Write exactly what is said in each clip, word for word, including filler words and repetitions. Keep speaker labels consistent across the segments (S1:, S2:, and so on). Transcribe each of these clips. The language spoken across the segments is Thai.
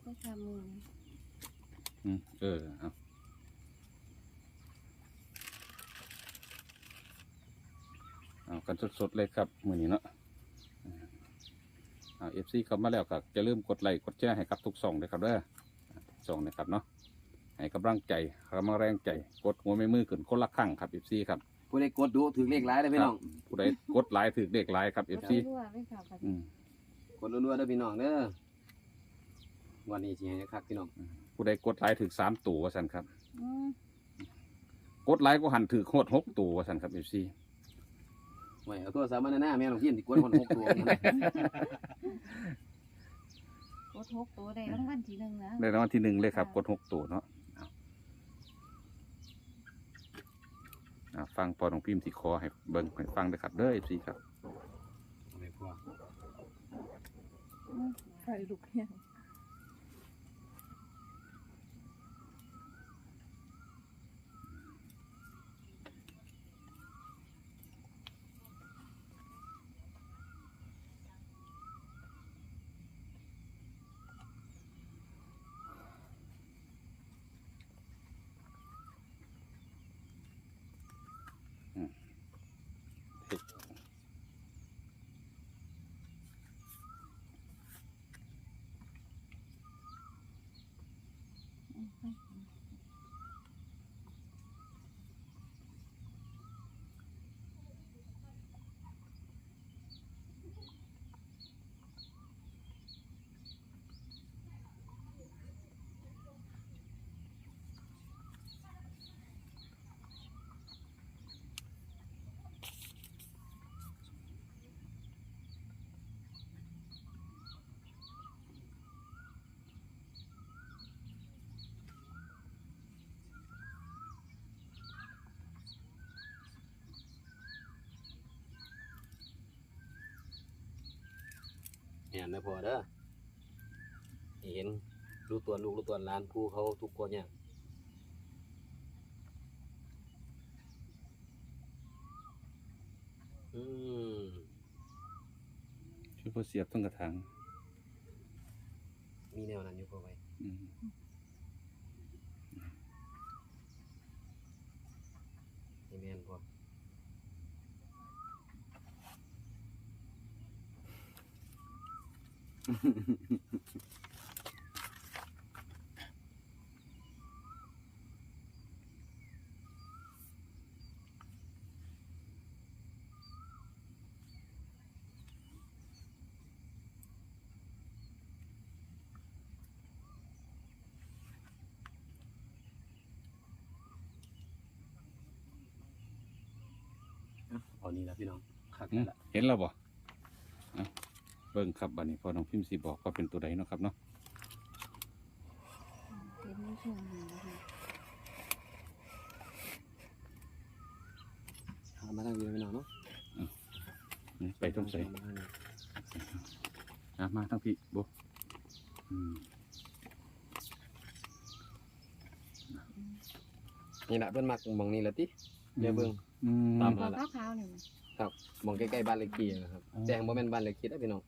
S1: ไปค่ะมือ
S2: อืมเออเอาเอากันสดๆเลยครับมื้อนี้เนาะเอาเอฟซีเข้ามาแล้วก็จะลืมกดไลค์กดแชร์ให้กับทุกช่องเลยครับเด้อช่องนะครับเนาะให้กำลังใจกำลังแรงใจกดหัวไม่มือขึ้นคนละครั้งครับเอฟซีครับ
S3: ผู้ใดกดดูถือเลขหลายได้พี่น้อง
S2: ผู้ใดกดไลค์ถือเลขไลค์ครับเอฟซี
S1: รั่วเลยค่ะ
S3: กดรัวๆได้พี่น้องเด้อวันนี้สิให้คักพี่น้อง
S2: ผู้ใดกดไลค์ถือสามตัวว่าสันครับกดไลค์ก็หันถือโคตรหกตัวว่าสันครับเอฟซี
S3: ไว้เอาตัวสามัญหน้าแม่หลวงพี่ที่กดคนหกตัว
S1: กดหกตัวได้รางวัลที่หนึ่งนะ
S2: ได้รางวัลที่หนึ่งเลยครับกดหกตัวเนาะฟังพอหลวงพิมพ์ที่คอให้เบิ้งให้ฟังเลยครับเด้อเอฟซีครับ
S3: ไม่พอ
S1: ใครลูกเนี่ย
S3: เห็นไม่พอเด้อเห็นรู้ตัวลูกรู้ตัวหลานผู้เขาทุกคนเนี่ยอืม
S2: ช่วยพอเสียบต้องกระถาง
S3: มีแนวนั้นอยู่พอไว้นี่แม่นพอเอานี่ละพี่น้องคักแล้วล่ะ
S2: เห็นแล้วบ่เบิ่งครับบัดนี้พอน้องพิมพ์สิบอกว่าเป็นตัวใดเนาะครับเนาะ
S1: เห็นไม่ชม
S3: หามาทางนี้พี่น้องเนาะ
S2: ไปต้องใส่มาทั้งพี่บ่
S3: นี่แหละเพิ่นมักมองนี่แหละติเดี๋ยวเบิ่ง
S1: ตามมาละขาวๆนี่
S3: ครับมองใกล้ๆบ้านเลขที่นะครับแจ้งบ่แม่นบ้านเลขที่ได้พี่น้อง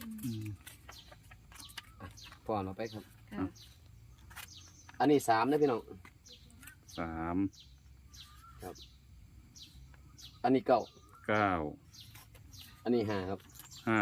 S3: พอเราไปครับอันนี้สามนะพี่น้อง
S2: สาม
S3: ครับอันนี้เก้า
S2: เก้า
S3: อันนี้ห้าครับ
S2: ห้า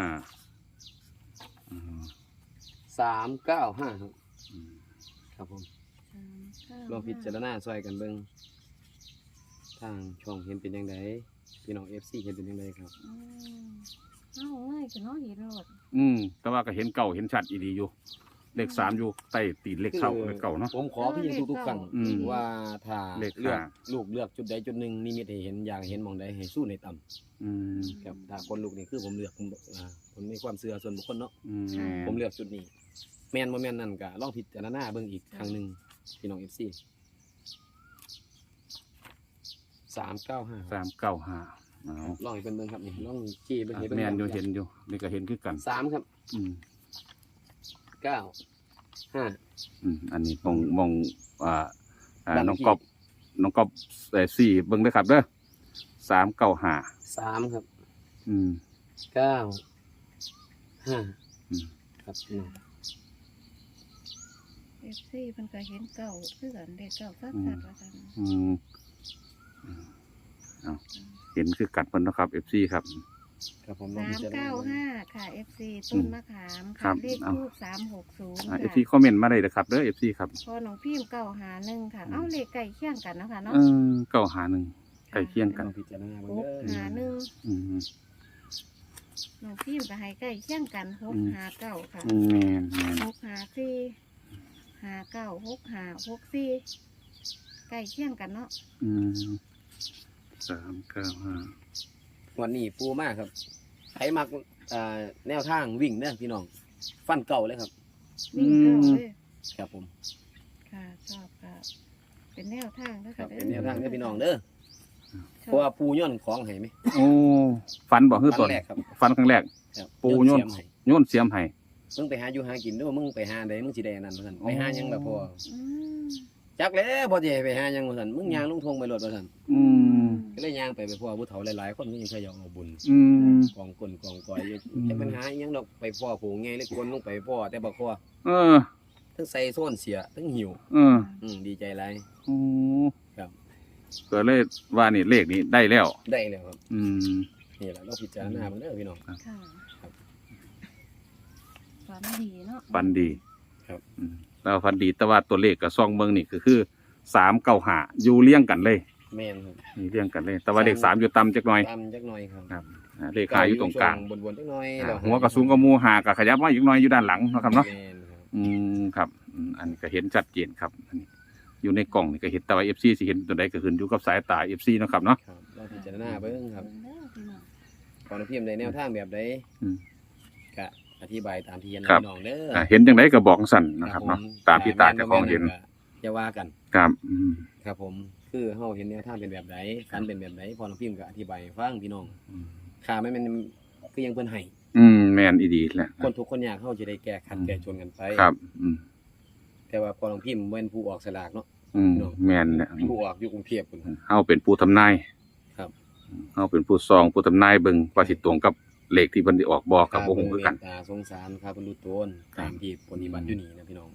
S3: สามเก้าห้าครับครับผมลองพิจารณาซอยกันเบิ่งทางช่องเห็นเป็นยังไงพี่น้อง เอฟ ซี เห็นเป็นยังไงครับ
S1: เอาง่ายจะน้องเห็นรถ
S2: อืมแต่ว่าก็เห็นเก่าเห็นชัดอีดีอยู่เลขสามอยู่ใต้ตีนเลขเก้าเลขเก่าเนาะ
S3: ผมขอพี่ทุกๆครั้งว่าถ้าเลือกลูกเลือกจุดใดจุดหนึ่งนิมิตให้เห็นอยากเห็นมองใดให้สู้ในต่ำครับถ้าคนลูกนี่คือผมเลือกผมผมมีความเชื่อส่วนบุคคลเนาะผมเลือกจุดนี้แม่นบ่แม่นนั่นก็ลองพิจารณาเบิ่งอีกครั้งหนึ่งพี่น้อง เอฟ ซี สามเก้าห้า
S2: สามเก้าห้า
S3: ลองให้เป็นเบิ่งครับนี่ลองจี้เบิ่งให้
S2: เบิ่งแม่นอยู่เห็นอยู่นี่ก็เห็นคือกัน
S3: สามครับอืมเก้าห้า
S2: อืมอันนี้มองมองอ่าอ่าน้องกอบน้องกอบเอ่อสี่เบิ่งเด้อครับเด้อสามเก้าห้า
S3: สามครับ
S2: อืม
S3: เก้าห้าครับพี่น้อง
S1: เอฟซีเพิ่นก็เห็นเก่าคือกันเด็กเก่าซัดๆว่าซั่น
S2: อืมอืมเอาเห็นคือกัดมันเนาะครับ เอฟ ซี ครับ
S3: ครับผม
S1: สามเก้าห้าค่ะ เอฟ ซี ต้นมะขาม
S2: ครั
S1: ค่ะ
S2: บ
S1: เลขทูบสามหกศูนย์
S2: อ่า
S1: ค่ะ
S2: เอฟ ซี คอมเมนต์มาได้เลยครับเด้อ เอฟ ซี ครับ
S1: พอน้องพิมพ์เก้าหาหนึ่งค่ะ เอ้าเลขใกล้เคียงกันเนาะค่ะเนาะ
S2: เออเก้าหาหนึ่งใกล้เคียงกัน
S3: ลองพิจารณา
S1: ห
S3: เบิ่ง
S1: ก
S3: เด้อ
S1: หาหนึ่ง
S2: อืม
S1: น้องพิมพ์ก็ให้ใกล้เคียงกันหก
S2: อืม
S1: หาเก้าค่ะ
S2: อืมแมนแมน
S1: หกหาสี่หาเก้าหกหาหกสี่ใกล้เคียงกันเนาะ
S2: อืมสามเก้าห้า
S3: วันนี้ปูมากครับใครมักอ่าแนวทางวิ่งเด้อพี่น้องฟันเก่าเลยครับ
S1: วิ่งเก้าเลย
S3: ครับผม
S1: ค่ะชอบค่ะ เป็นแนวทางนะ
S3: ครั
S1: คะ
S3: บเป็นแนวทางเด้อพี่น้องเด้อ
S1: ช
S3: เพ
S1: อบ
S3: ราะว่าปูย่นของให้ไหม
S2: โอ้ฟันบอกคือ
S3: ค
S2: ต้
S3: รั้
S2: น
S3: งแรกครับ
S2: ฟันครั้งแรก
S3: ครับ
S2: ปูย่น
S3: เสีมให้
S2: โยนเสียมให้
S3: มึงไปหาอยู่หากินด้วยมึงไปหาใดมึงสิได้อันนั้นว่าซั่นไปหาหยังแบบพอ
S1: อืม
S3: จักแล้วพอสิให้ไปหาหยังว่าซั่นมึงย่างลงทงไปรถว่าซั่น
S2: อืม
S3: ก็เลยย่างไปไปพ่อผู้เฒ่าหลายๆคนก็ยังเคยอยากเอาบุญ
S2: อืม
S3: กองกลกองกอยอยู่
S2: อืม
S3: จะปัญหาอิหยังดอกไปพ่อผูงไงเลยคนลงไปพ่อแต่บ่พ่อ
S2: เออ
S3: ทั้งใส่โซนเสียทั้งหิว
S2: เออ
S3: อืมดีใจหลาย
S2: โอ้
S3: ครับ
S2: ก็เลยว่านี่เลขนี้ได้แล้ว
S3: ได้แล้วครับ
S2: อืม
S3: นี่แหละเราพิจารณาเบิ่งเด้อพี่น้อง
S1: ค่ะ
S3: ครับ
S1: ฝันดีเนาะ
S2: ฟันดี
S3: ครับ
S2: อืมแล้วฟันดีแต่ว่าตัวเลขกับซองเมืองนี่ก็คือสามเก้าหาอยู่เลี้ยงกันเลย
S3: แม่นครับ
S2: นี่เลี้ยงกันเลย แต่ว่าเลขสามอยู่ต่ำจักหน่อย
S3: ตามจักหน่อยครับ
S2: ครับอ่าเลขหาอยู่ตรงกลาง
S3: บนๆจักหน่อย
S2: อ่า
S3: แล้ว
S2: หัวกระสูงกระมูหากับขยับมาอีกหน่อยอยู่ด้านหลังเนาะครับเนาะ
S3: แม่นครับ
S2: อืมครับอืมอันนี้ก็เห็นชัดเจนครับอันนี้อยู่ในกล่องนี่ก็เห็นแต่ว่าเอฟซีสิเห็นตัวใดก็ขึ้นอยู่กับสายตาเอฟซีนาะครับเนาะ
S3: ครับเราพิจารณาเบิ่งครับ
S1: เด้อพี่น้อง
S3: ขอน้พิมพ์ในแนวทางแบบใด
S2: อืม
S3: ก็อธิบายตามที่เห็น
S2: ครับ
S3: พี่น้องเด้อ
S2: อ่าเห็นจังไดก็บอกสั่นนะครับเนาะ
S3: ผม
S2: ตามที่ตาเจ้าของเห็น
S3: อย่าว่ากัน
S2: ครับอืม
S3: ครับผมคือเฮาเห็นแนวทางเป็นแบบใดฝันเป็นแบบใดพอน้องพิมพ์ก็อธิบายให้ฟังพี่น้อง
S2: อืม
S3: ข่าไม่แม่นคือยังเพิ่นให้
S2: อืมแมนอีดีแหละ
S3: คนทุกคนอยากเฮาจะได้แก้ขัด
S2: อืม
S3: แก้ชนกันไป
S2: ครับอืม
S3: แต่ว่าพอน้องพิมพ์บ่เป็นผู้ออกสลากเนาะ
S2: อืมแมนเนี่ย
S3: ผู้ออกอยู่กรุงเทพพุ่น
S2: เฮาเป็นผู้ทำนาย
S3: ครับ
S2: เฮาเป็นผู้ซองผู้ทำนายเบิ่งว่าสิตรงกับเลขที่เพิ่นได้ออกบอกกับบ่ฮู้คือกัน
S3: เมตตาสงสารข้าเพิ่นรู้ตนตามที่ปฏิบัติอยู่นี่นะพี่น้อง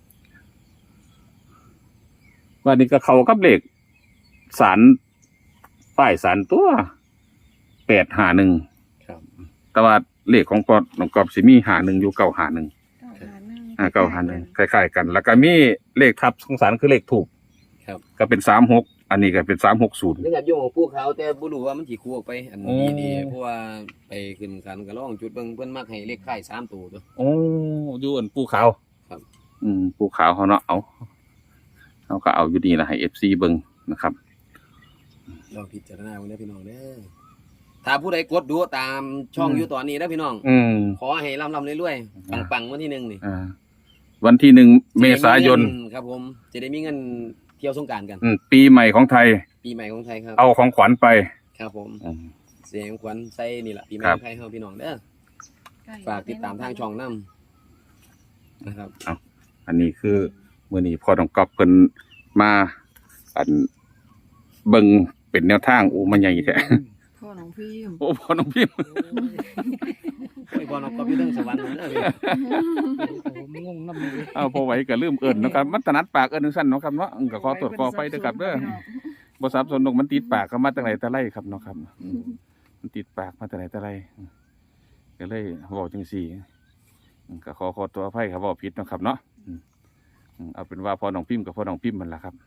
S2: ว่านี่ก็เข้ากับเลขสารป้ายสารตัวแปดห้าหนึ่ง
S3: ครับ
S2: แต่ว่าเลขของปอน้องกอบสิมีหาหนึ่งอยู่เก้าหาหนึ่ง
S1: เก้าหาหนึ่ง
S2: อ่าเก้าหาหนึ่งคล้ายๆกัน แล้วก็มีเลขทับของสารคือเลขถูก
S3: ครับ
S2: ก็เป็นสามหกอันนี้ก็เป็นสามหกศูนย์
S3: เรื่องการโยงของผู้เขาแต่บ่รู้ว่ามันสิคู่ออกไปอัน
S2: โอ้
S3: นี้ดีเพราะว่าไปขึ้นศาลก็ลองจุดเบิ่งเพิ่นมักให้เลขท้ายสามตัวตัว
S2: โอ้อยู่อันปูขาว
S3: ครับ
S2: อืมปูขาวเขาเนาะเอาเขาก็เอาอยู่ดีนะให้เอฟซีเบิ่งนะครับ
S3: ลองพิจารณาเบิ่งเด้อพี่น้องเด้อถ้าผู้ใดกดดูตามช่อง
S2: อืม
S3: อยู่ตอนนี้นะพี่น้อง
S2: อืม
S3: ขอให้ร่ำๆรวยๆปังๆวันที่หนึ่งนี่
S2: อ่าวันที่หนึ่งเมษายน
S3: จะได้มีเงิครับผมจะได้มีเงินเที่ยวสงกรานต์กัน
S2: อืมปีใหม่ของไทย
S3: ปีใหม่ของไทยครับ
S2: เอาของขวัญไป
S3: ครับผม
S2: อืม
S3: เสียงขวัญใส่นี่แหละปีใหม่
S2: ครั
S3: ข
S2: บ
S3: องไทยเฮาพี่น้องเด้อ
S1: ใกล้
S3: ฝากติดตามทางช่องนํนะครับ
S2: อันนี้คือมื้อนี้พ่อต้องกอบเพิ่นมาอันเบิ่งเป็นแนวทางโอ้มันใหญ่แท้
S1: พ่อน้องพิมพ์
S2: โอ้พ่อน้องพิมพ์
S3: โอ้ยบอลก็มีเรื่องสวรรค์เด้อพี่
S4: ผมงงน้ำเลย
S2: เอาพอไหวก็ลืมเอิ้นเนาะครับมันถนัดปากเอิ้นจังซั่นเนาะครับเนาะอืมก็ขอตรวจขอไปเด้อครับเด้อบ่สับสนดอกมันติดปากก็มาแต่ไหนแต่ไรครับเนาะครับอืมมันติดปากมาแต่ไหนแต่ไรอืมก็เลยเว้าจังซี่อืมก็ขอขอตัวอภัยครับเว้าผิดเนาะครับเนาะอืมอืมเอาเป็นว่าพ่อน้องพิมพ์กับพ่อน้องพิมพ์มันล่ะครับ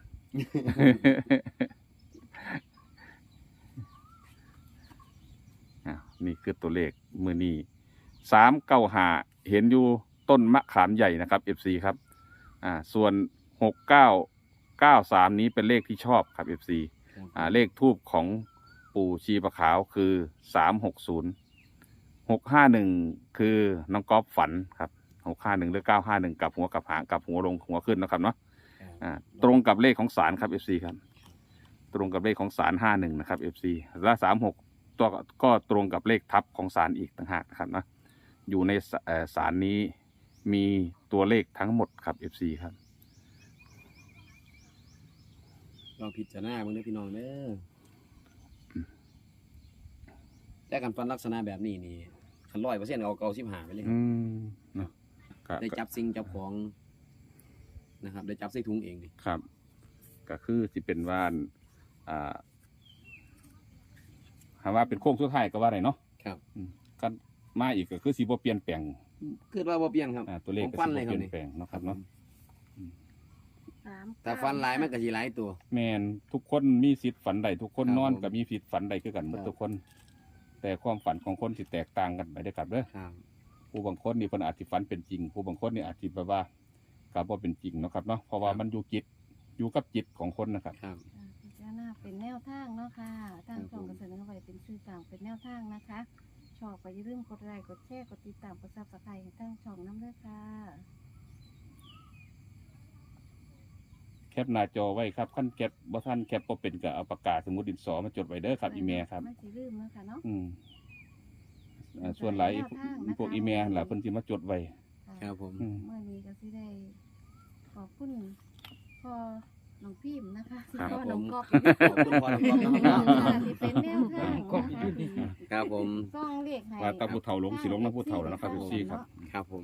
S2: อ่ะนี่คือตัวเลขมือนี้สามเก้าหาเห็นอยู่ต้นมะขามใหญ่นะครับเอฟซีครับอ่าส่วนหกเก้าเก้าสามนี้เป็นเลขที่ชอบครับเอฟซีอ่าเลขทูบของปู่ชีปะขาวคือสามหกศูนย์หกห้าหนึ่งคือน้องก๊อฟฝันครับหกห้าหนึ่งหรือเก้าห้าหนึ่งกับหัวกับหางกับหัวลงหัวขึ้นนะครับเนาะอ่าตรงกับเลขของศาลครับเอฟซีครับตรงกับเลขของศาลห้าหนึ่งนะครับเอฟซีและสามหก ตัวก็ตรงกับเลขทับของศาลอีกต่างหากนะครับนะอยู่ในเอ่อศาลนี้มีตัวเลขทั้งหมดครับ เอฟ ซี ครับ
S3: ลองพิจารณาเบิ่งเด้อพี่น้องเด้อแต่การฟันลักษณะแบบนี้นี่คันร้อยเปอร์เซ็นต์เอาเก้าสิบห้าไปเลยครั
S2: อื
S3: บ
S2: มเนาะก็
S3: ได้จับสิ่งจับของนะครับได้จับใส่ถุงเองนี่
S2: ครับ ก็คือสิเป็นว่าอันอ่าหาว่าเป็นโค้งสุดท้ายก็ว่าได้เนาะ
S3: ครับ
S2: อืมก็มาอีกก็คือสิบ่เปลี่ยนแปลง
S3: คือว่าบ่เปลี่ยนครับ
S2: อ่าตัวเลข
S3: ผม
S2: ก็
S3: ฟั
S2: สิ
S3: น
S2: บ่
S3: เลย
S2: เป
S3: ครับ
S2: ลี่ยน
S3: นี่
S2: แปลงเนาะครับเนาะ
S1: สาม
S3: แต่ฟันหลายมันก็สิหลายตัว
S2: แม่นทุกคนมีสิทธิ์ฝันใดทุกคน
S3: ครับ
S2: นอน
S3: ผม
S2: ก็มีสิทธิ์ฝันใดคือกันหมด
S3: ครับ
S2: ทุกคน แต่ความฝันของคนสิแตกต่างกันไปเด้อครับเด้อ
S3: ครับ
S2: ผู้บางคนนี่เพิ่นอาจสิฝันเป็นจริง ผู้บางคนนี่อาจสิแบบว่าก็บ่เป็นจริงเนาะครับเนาะเพราะว่ามันอยู่จิตอยู่กับจิตของคนนะครับ
S3: ครับ
S1: อ่าพิจารณาเป็นแนวทางเนาะค่ะทางช่องก็เสนอไว้เป็นสื่อกลางเป็นแนวทางนะคะ ชอบก็อย่าลืมกดไลค์กดแชร์กดติดตามกดซับสไครต์ให้ทางช่องน้ำเด้อค่ะ
S2: แคปหน้าจอไว้ครับขั้นแคปบ่ทันแคปบ่เป็นก็เอาปากกาสมุดดินสอมาจดไว้เด้อครับอีเมลครับ
S1: ไม่สิลืมเนาะค่ะเนาะ
S2: อืมอ่าส่วนหลาย
S1: แนวทางนะคะ
S2: พวกอีเมลล่ะเพิ่นสิมาจดไว้
S3: ครับผม
S2: อืม
S1: เมื่อนี้ก็สิได้ขอบคุณพ่อน้องพิมพ์นะคะที่
S2: ครับ
S1: พ่อน้องกอบ
S3: ขอบคุณพ่อน้องก๊อฟนะครับ
S1: ค่ะที่เป็นแนวทางนะคะที่
S3: ครับผม
S1: ซ่องเลขให้
S2: ว่าแตาผู้เฒ่าลงสิลงนะผู้เฒ่าแล้วนะครับ เอฟ ซี ครับ
S3: ครับผม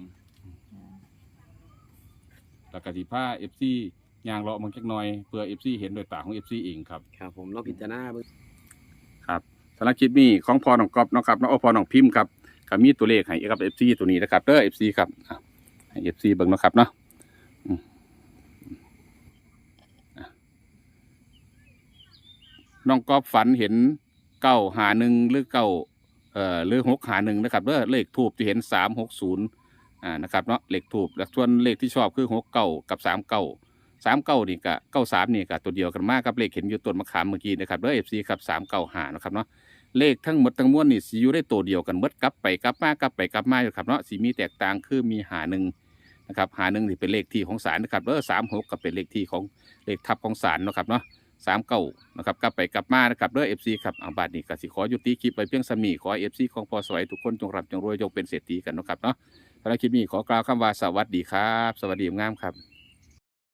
S2: แล้วก็สิพา เอฟ ซี ย่างเลาะมันจักหน่อยเพื่อ เอฟ ซี เห็นด้วยตาของ เอฟ ซี เองครับ
S3: ครับผมลองพิจารณาเบิ่ง
S2: ครับสำหรับคลิปนี้ของพอน้องก๊อฟเนาะครับเนาะโอ้พอน้องพิมพ์ครับก็มีตัวเลขให้กับ เอฟ ซี ตัวนี้นะครับเด้อ เอฟ ซี ครับอ่ะให้ เอฟ ซี เบิ่งเนาะครับเนาะอืมอ่ะน้องก๊อฟฝันเห็นเก้าหาหนึ่งหรือเก้าเอ่อหรือหกหาหนึ่งนะครับเด้อเลขทูบจะเห็นสามหกศูนย์อ่านะครับเนาะเลขทูบแล้วส่วนเลขที่ชอบคือหกเก้ากับสามเก้าสามเก้านี่กับเก้าสามนี่กับตัวเดียวกันมากกับเลขเห็นอยู่ต้นมะขามเมื่อกี้นะครับเด้อ เอฟ ซี ครับสามเก้าหานะครับเนาะเลขทั้งหมดทั้งมวลนี่สิอยู่ได้ตัวเดียวกันหมดกลับไปกลับมากลับไปกลับมาอยู่ครับเนาะสีมีแตกต่างคือมีหาหนึ่งนะครับหาหนึ่งนี่เป็นเลขที่ของศาลนะครับเด้อสามหกก็เป็นเลขที่ของเลขทับของศาลเนาะครับเนาะสามเก้านะครับกลับไปกลับมานะครับเด้อ เอฟ ซี ครับเอาบาทนี้ก็สิขอยุติคลิปไปเพียงสมีขอ เอฟ ซี ของพอสวัยทุกคนจงร่ำจงรวยจงเป็นเศรษฐีกันเนาะครับเนาะสำหรับคลิปนี้ขอกล่าวคำว่าสวัสดีครับ สวัสดีงามครับ